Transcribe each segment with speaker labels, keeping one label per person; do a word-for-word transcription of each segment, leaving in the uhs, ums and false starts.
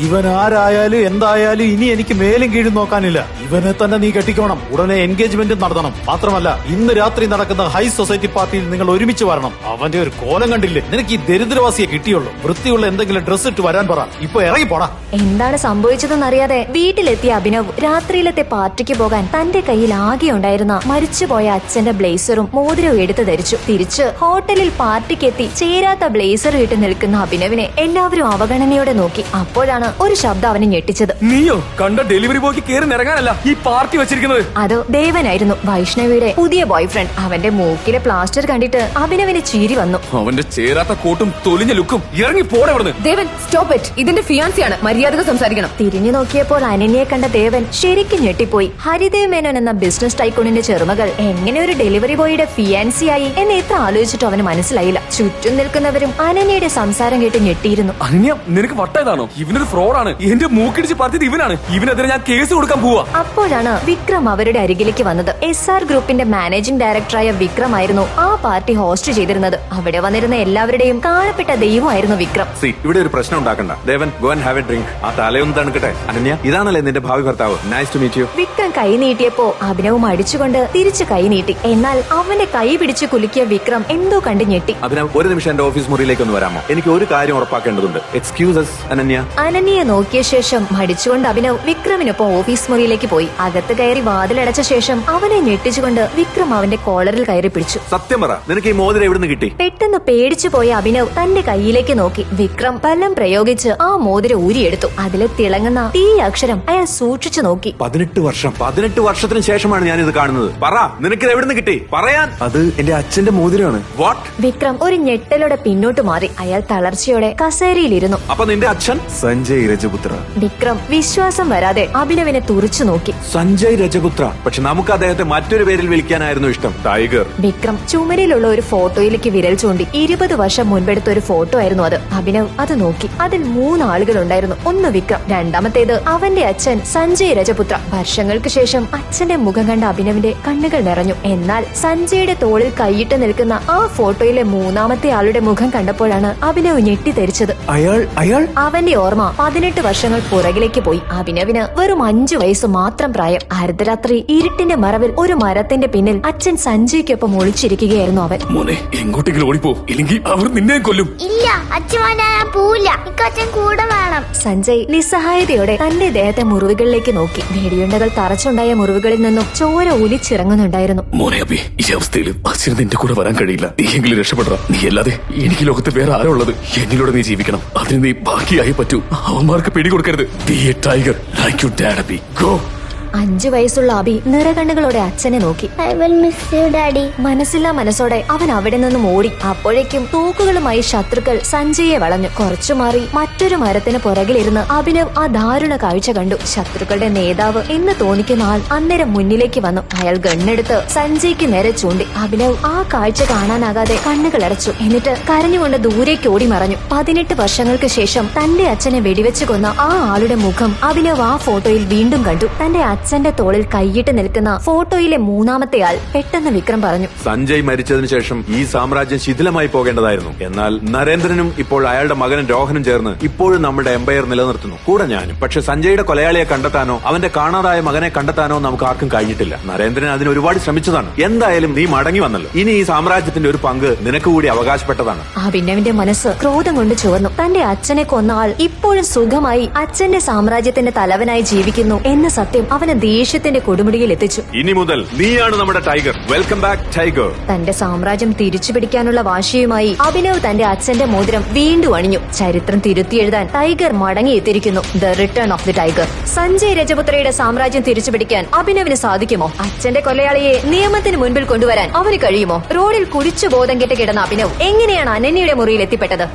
Speaker 1: ഇവൻ ആരായാലും എന്തായാലും ഇനി എനിക്ക് മേലും കീഴും നോക്കാനില്ല. ഇവനെ തന്നെ നീ കെട്ടിക്കോണം. ഉടനെ എൻഗേജ്മെന്റ് നടത്തണം. മാത്രമല്ല ഇന്ന് രാത്രി നടക്കുന്ന ഹൈ സൊസൈറ്റി പാർട്ടിയിൽ നിങ്ങൾ ഒരുമിച്ച് വരണം. അവന്റെ ഒരു കോലം കണ്ടില്ലേ? നിനക്ക് ഈ ദരിദ്രവാസിയെ കിട്ടിയുള്ളൂ. വൃത്തിയുള്ള എന്തെങ്കിലും ഡ്രസ് ഇട്ട് വരാൻ പറ. ഇപ്പൊ ഇറങ്ങി പോടാ.
Speaker 2: എന്താണ് സംഭവിച്ചതെന്നറിയാതെ വീട്ടിലെത്തിയ അഭിനവ് രാത്രിയിലത്തെ പാർട്ടിക്ക് പോകാൻ തന്റെ കയ്യിൽ ആകെ ഉണ്ടായിരുന്ന മരിച്ചുപോയ അച്ഛന്റെ ബ്ലേസറും മോതിരവും എടുത്തു ധരിച്ചു. തിരിച്ച് ഹോട്ടലിൽ പാർട്ടിക്കെത്തി ചേരാത്ത ബ്ലേസർ ഇട്ട് നിൽക്കുന്ന അഭിനവിനെ എല്ലാവരും അവഗണനയോടെ നോക്കി. അപ്പോഴാണ് ഒരു ശബ്ദം അവനെ ഞെട്ടിച്ചത്.
Speaker 3: നീയോ കണ്ട ഡെലിവറി ബോയ്ക്ക് കേറി നിറങ്ങാനല്ല ഈ പാർട്ടി വെച്ചിരിക്കുന്നത്.
Speaker 2: അത് ദേവനായിരുന്നു, വൈഷ്ണവിയുടെ പുതിയ ബോയ് ഫ്രണ്ട്. അവന്റെ മൂക്കിലെ പ്ലാസ്റ്റർ കണ്ടിട്ട് അഭിനവിന് ചിരി വന്നു.
Speaker 3: അവന്റെ ചേരാത്ത കോട്ടും തൊലിഞ്ഞ ലുക്കും. ഇറങ്ങി പോടെ അവിടുന്ന്.
Speaker 4: Devan stop it. ഇതിന്റെ ഫിയാൻസിയാണ്, മര്യാദ സംസാരിക്കണം.
Speaker 2: തിരിഞ്ഞു നോക്കിയപ്പോൾ അനന്യയെ കണ്ട ദേവൻ ശരിക്കും ഞെട്ടിപ്പോയി. ഹരിദേവ് മേനോൻ എന്ന ബിസിനസ് ടൈക്കൂണിന്റെ ചെറുമകൾ എങ്ങനെ ഒരു ഡെലിവറി ബോയുടെ ഫിയാൻസിയായി എന്ന് എത്ര ആലോചിച്ചിട്ടും അവന് മനസ്സിലായില്ല. ചുറ്റും നിൽക്കുന്നവരും അനന്യയുടെ സംസാരം കേട്ട് ഞെട്ടിയിരുന്നു.
Speaker 3: അനന്യ, നിനക്ക് വട്ടായതാണോ? ഇവനൊരു ഫ്രോഡാണ്. എന്റെ മൂക്കിടിച്ച് പറഞ്ഞത് ഇവനാണ്. ഇവനെതിരെ ഞാൻ കേസ് കൊടുക്കാൻ പോവാ.
Speaker 2: അപ്പോഴാണ് വിക്രം അവരുടെ അരികിലേക്ക് വന്നത്. എസ് ആർ ഗ്രൂപ്പിന്റെ മാനേജിംഗ് ഡയറക്ടറായ വിക്രം ആയിരുന്നു ആ പാർട്ടി ഹോസ്റ്റ് ചെയ്തിരുന്നത്. അവിടെ വന്നിരുന്ന എല്ലാവരുടെയും കാണപ്പെട്ട ദൈവമായിരുന്നു വിക്രം.
Speaker 5: ഇവിടെ ഒരു പ്രശ്നം ഉണ്ടാക്കണ്ട. Devan, go and have a drink. ആ തലയൊന്ന് തണുക്കട്ടെ. അനന്യ, ഇതാണല്ലേ നിന്റെ ഭാവി ഭർത്താവ്. Nice to meet you.
Speaker 2: Vikram കൈ നീട്ടിയപ്പോ അഭിനവും അടിച്ചുകൊണ്ട് തിരിച്ചു കൈ നീട്ടി. എന്നാൽ അവന്റെ കൈ പിടിച്ചു കുലുക്കിയ വിക്രം എന്തോ കണ്ട് ഞെട്ടി.
Speaker 5: അഭിനവ്, ഒരു നിമിഷം എന്റെ ഓഫീസ് മുറിയിലേക്ക് ഒന്ന് വരാമോ? എനിക്ക് ഒരു കാര്യം ഉറപ്പാക്കേണ്ടതുണ്ട്. എക്സ്ക്യൂസസ് അനന്യ.
Speaker 2: അനന്യയെ നോക്കിയ ശേഷം മടിച്ചുകൊണ്ട് അഭിനവ് വിക്രമിനൊപ്പം ഓഫീസ് മുറിയിലേക്ക് പോയി. അകത്ത് കയറി വാതിലടച്ച ശേഷം അവനെ ഞെട്ടിച്ചുകൊണ്ട് വിക്രം അവന്റെ കോളറിൽ കയറി പിടിച്ചു.
Speaker 5: സത്യം പറ, നിനക്ക് ഈ മോതിരം എവിടുന്ന് കിട്ടി?
Speaker 2: പെട്ടെന്ന് പേടിച്ചു പോയ അഭിനവ് തന്റെ കൈയിലേക്ക് നോക്കി. വിക്രം ബലം പ്രയോഗിച്ച് ആ മോതിരം ഊരിയെടുത്തു. അതിലെ തിളങ്ങുന്ന തീ അക്ഷരം അയാൾ സൂക്ഷിച്ചു നോക്കി.
Speaker 5: പതിനെട്ട് വർഷം പതിനെട്ട് വർഷത്തിന് ശേഷമാണ് ഞാൻ ഇത് കാണുന്നത്. പറ, നിനക്ക് എവിടുന്ന് കിട്ടി? പറയാൻ. അത് എന്റെ അച്ഛന്റെ മോതിരമാണ്. വാട്ട്?
Speaker 2: വിക്രം ഒരു ഞെട്ടലോടെ പിന്നോട്ട് മാറി. അയാൾ തളർച്ചയോടെ കസേരയിലിരുന്നു.
Speaker 5: അപ്പൊ നിന്റെ അച്ഛൻ? സഞ്ജയ് രജപുത്ര.
Speaker 2: വിക്രം വിശ്വാസം വരാതെ അഭിനവിനെ തുറിച്ചു നോക്കി.
Speaker 5: സഞ്ജയ് രജപുത്ര. പക്ഷെ നമുക്ക് അദ്ദേഹത്തെ മറ്റൊരു പേരിൽ വിളിക്കാനായിരുന്നു ഇഷ്ടം. ടൈഗർ.
Speaker 2: വിക്രം ചുമരിലുള്ള ഒരു ഫോട്ടോയിലേക്ക് വിരൽ ചൂണ്ടി. ഇരുപത് വർഷം മുൻപെടുത്ത ഒരു ഫോട്ടോ ആയിരുന്നു അത്. അഭിനവ് അത് നോക്കി. അതിൽ മൂന്നാളുകൾ ഉണ്ടായിരുന്നു. ഒന്ന് വിക്രം, രണ്ടാമത്തേത് അവന്റെ അച്ഛൻ സഞ്ജയ് രജപുത്ര. വർഷങ്ങൾക്ക് ശേഷം അച്ഛന്റെ മുഖം കണ്ട അഭിനവിന്റെ കണ്ണുകൾ നിറഞ്ഞു. എന്നാൽ സഞ്ജയുടെ തോളിൽ കൈയിട്ട് നിൽക്കുന്ന ആ ഫോട്ടോയിലെ മൂന്നാമത്തെ ആളുടെ മുഖം കണ്ടപ്പോഴാണ് അഭിനവ് ഞെട്ടിത്തെറിച്ചത്.
Speaker 5: അയാൾ അയാൾ
Speaker 2: അവന്റെ ഓർമ്മ പതിനെട്ട് വർഷങ്ങൾ പുറകിലേക്ക് പോയി. അഭിനവിന് വെറും അഞ്ചു വയസ്സ് മാത്രം പ്രായം. അർദ്ധരാത്രി ഇരുട്ടിന്റെ മറവിൽ ഒരു മരത്തിന്റെ പിന്നിൽ അച്ഛൻ സഞ്ജയ്ക്കൊപ്പം ഒളിച്ചിരിക്കുകയായിരുന്നു അവൻ.
Speaker 3: മോനെ, എങ്ങോട്ടെങ്കിലും ഓടിപ്പോ, ഇല്ലെങ്കിൽ അവർ നിന്നെ കൊല്ലും.
Speaker 6: ഇല്ല, അച്ഛൻ ഞാൻ പോവില്ല. അച്ഛൻ കൂടെ വേണം.
Speaker 2: സഞ്ജയ് നിസ്സഹായതയോടെ തന്റെ ദേഹത്തെ മുറിവുകളിലേക്ക് നോക്കി. വെടിയുണ്ടകൾ തറച്ചുണ്ടായ മുറിവുകളിൽ നിന്നും ചോര ഒലിച്ചിറങ്ങുന്നുണ്ടായിരുന്നു.
Speaker 3: മോനെ അബി, ഈ അവസ്ഥയിൽ അച്ഛന് നിന്റെ കൂടെ വരാൻ കഴിയില്ല. നീയെങ്കിലും രക്ഷപ്പെടണം. നീ അല്ലാതെ എനിക്ക് ലോകത്ത് വേറെ ആരാ ഉള്ളത്? എന്നിലൂടെ നീ ജീവിക്കണം. അതിന് നീ ബാക്കിയായി പറ്റൂ. അവന്മാർക്ക് പിടികൊടുക്കരുത്. Be a tiger like you dad Abi. Go.
Speaker 2: അഞ്ചു വയസ്സുള്ള അബി നിറകണ്ണുകളോടെ അച്ഛനെ നോക്കി.
Speaker 6: I will miss you daddy.
Speaker 2: മനസ്സില്ലാ മനസ്സോടെ അവൻ അവിടെ നിന്നും ഓടി. അപ്പോഴേക്കും തൂക്കുകളുമായി ശത്രുക്കൾ സഞ്ജയെ വളഞ്ഞു. കുറച്ചു മാറി മറ്റൊരു മരത്തിന് പുറകിലിരുന്ന് അഭിനവ് ആ ദാരുണ കാഴ്ച കണ്ടു. ശത്രുക്കളുടെ നേതാവ് എന്ന് തോന്നിക്കുന്ന ആൾ അന്നേരം മുന്നിലേക്ക് വന്നു. അയാൾ ഗണ്ണെടുത്ത് സഞ്ജയ്ക്ക് നേരെ ചൂണ്ടി. അഭിനവ് ആ കാഴ്ച കാണാനാകാതെ കണ്ണുകൾ അടച്ചു. എന്നിട്ട് കരഞ്ഞുകൊണ്ട് ദൂരേക്ക് ഓടി മറഞ്ഞു. പതിനെട്ട് വർഷങ്ങൾക്ക് ശേഷം തന്റെ അച്ഛനെ വെടിവെച്ചു കൊന്ന ആ ആളുടെ മുഖം അഭിനവ് ആ ഫോട്ടോയിൽ വീണ്ടും കണ്ടു. തന്റെ അച്ഛന്റെ തോളിൽ കൈയിട്ട് നിൽക്കുന്ന ഫോട്ടോയിലെ മൂന്നാമത്തെ ആൾ. പെട്ടെന്ന് വിക്രം പറഞ്ഞു,
Speaker 5: സഞ്ജയ് മരിച്ചതിനു ശേഷം ഈ സാമ്രാജ്യം ശിഥിലമായി പോകേണ്ടതായിരുന്നു. എന്നാൽ നരേന്ദ്രനും ഇപ്പോൾ അയാളുടെ മകനും രോഹനും ചേർന്ന് ഇപ്പോഴും നമ്മുടെ എംപയർ നിലനിർത്തുന്നു, കൂടെ ഞാനും. പക്ഷെ സഞ്ജയുടെ കൊലയാളിയെ കണ്ടെത്താനോ അവന്റെ കാണാതായ മകനെ കണ്ടെത്താനോ നമുക്ക് ആർക്കും കഴിഞ്ഞിട്ടില്ല. നരേന്ദ്രൻ അതിന് ഒരുപാട് ശ്രമിച്ചതാണ്. എന്തായാലും നീ മടങ്ങി വന്നല്ലോ. ഇനി ഈ സാമ്രാജ്യത്തിന്റെ ഒരു പങ്ക് നിനക്ക് കൂടി അവകാശപ്പെട്ടതാണ്.
Speaker 2: ആ ഭിന്നവിന്റെ മനസ്സ് ക്രോധം കൊണ്ട് ചുവന്നു. തന്റെ അച്ഛനെ കൊന്ന ആൾ ഇപ്പോഴും സുഖമായി അച്ഛന്റെ സാമ്രാജ്യത്തിന്റെ തലവനായി ജീവിക്കുന്നു എന്ന സത്യം അവന് ദേഷ്യത്തിന്റെ കൊടുമുടിയിൽ എത്തിച്ചു.
Speaker 5: ഇനി മുതൽ നീയാണ് നമ്മുടെ ടൈഗർ. Welcome back tiger.
Speaker 2: തന്റെ സാമ്രാജ്യം തിരിച്ചു പിടിക്കാനുള്ള വാശിയുമായി അഭിനവ് തന്റെ അച്ഛന്റെ മോതിരം വീണ്ടും അണിഞ്ഞു. ചരിത്രം തിരുത്തിയെഴുതാൻ ടൈഗർ മടങ്ങിയെത്തിയിരിക്കുന്നു. The return of the tiger. Sanjay രജപുത്രയുടെ സാമ്രാജ്യം തിരിച്ചു പിടിക്കാൻ അഭിനവിന് സാധിക്കുമോ? അച്ഛന്റെ കൊലയാളിയെ നിയമത്തിന് മുൻപിൽ കൊണ്ടുവരാൻ അവന് കഴിയുമോ? റോഡിൽ കുടിച്ചു ബോധം കെട്ട് കിടന്ന അഭിനവ് എങ്ങനെയാണ് അനന്യയുടെ മുറിയിൽ എത്തിപ്പെട്ടത്?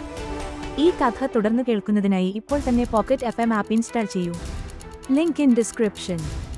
Speaker 7: ഈ കഥ തുടർന്ന് കേൾക്കുന്നതിനായി ഇപ്പോൾ തന്നെ pocket F M app install ചെയ്യൂ. Link in description.